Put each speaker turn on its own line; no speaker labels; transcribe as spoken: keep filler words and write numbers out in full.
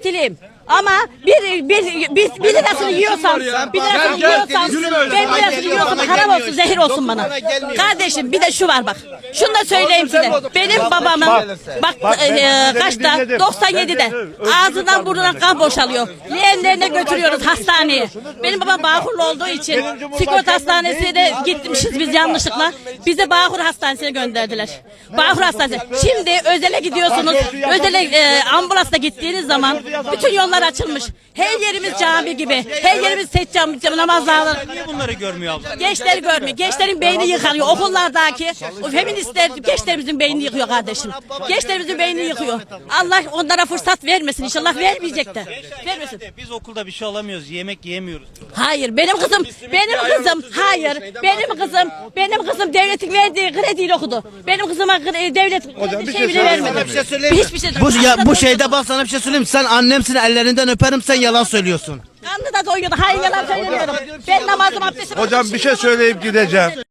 emekliyim. Ama bir, bir, bir, bir lirasını yiyorsam, bir lirasını yiyorsam, ben bir lirasını yiyorsam haram olsun, zehir olsun bana. Kardeşim bir de şu var bak. Şunu da söyleyeyim size. Benim babamın bak, bak e, kaçta? doksan yedide. Ağzından burnundan kan boşalıyor. Leğenlerine götürüyoruz hastaneye. Benim babam Bağkurlu olduğu için sigorta hastanesine de gitmişiz biz yanlışlıkla. Bizi Bağkur Hastanesi'ne gönderdiler. Bağkur Hastanesi. Şimdi özele gidiyorsunuz. Özele e, ambulansla gittiğiniz zaman bütün yollar açılmış. Her yerimiz cami gibi. Her yerimiz seccam, namazlar.
Niye bunları görmüyor abla?
Gençleri görmüyor. Gençlerin beyni yıkanıyor. Okullardaki o feministler gençlerimizin beynini yıkıyor kardeşim. Gençlerimizin beynini yıkıyor. Allah onlara fırsat vermesin. İnşallah vermeyecek de. Vermesin.
Biz okulda bir şey alamıyoruz, yemek yiyemiyoruz.
Hayır benim kızım, benim kızım, hayır benim kızım, benim kızım devletin verdiği krediyle okudu. Benim kızıma kre- devlet kredi şey bile vermedi. Hiçbir şey.
Bu, ya, bu şeyde bak sana bir şey söyleyeyim. Sen annemsin, ellerinden öperim, sen yalan söylüyorsun.
Kanlı da doyuyordu. Hayır yalan söylemiyorum. Ben namazım abdestim.
Hocam bir şey söyleyip gideceğim.